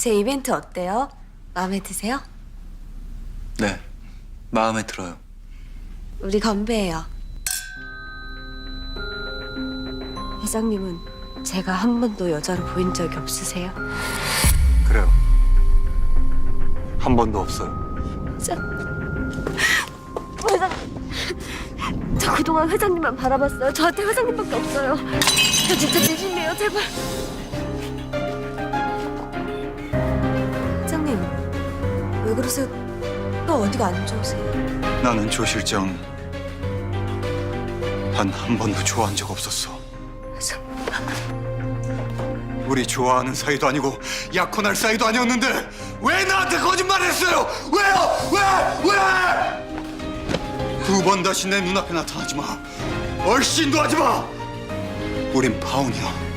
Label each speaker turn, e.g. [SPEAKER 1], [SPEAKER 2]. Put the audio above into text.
[SPEAKER 1] 제 이벤트 어때요? 마음에 드세요?
[SPEAKER 2] 네, 마음에 들어요.
[SPEAKER 1] 우리 건배해요. 회장님은 제가 한 번도 여자로 보인 적이 없으세요?
[SPEAKER 2] 그래요. 한 번도 없어요.
[SPEAKER 1] 회장님, 저 그동안 회장님만 바라봤어요. 저한테 회장님밖에 없어요. 저 진짜 진심이에요, 제발. 회장님, 왜 그러세요? 또 어디가 안 좋으세요?
[SPEAKER 2] 나는 조 실장 단 한 번도 좋아한 적 없었어.
[SPEAKER 1] 회장님,
[SPEAKER 2] 우리 좋아하는 사이도 아니고 약혼할 사이도 아니었는데 왜 나한테 거짓말했어요? 왜요? 왜? 두 번 다시 내 눈앞에 나타나지 마. 얼씬도 하지 마. 우린 파혼이야.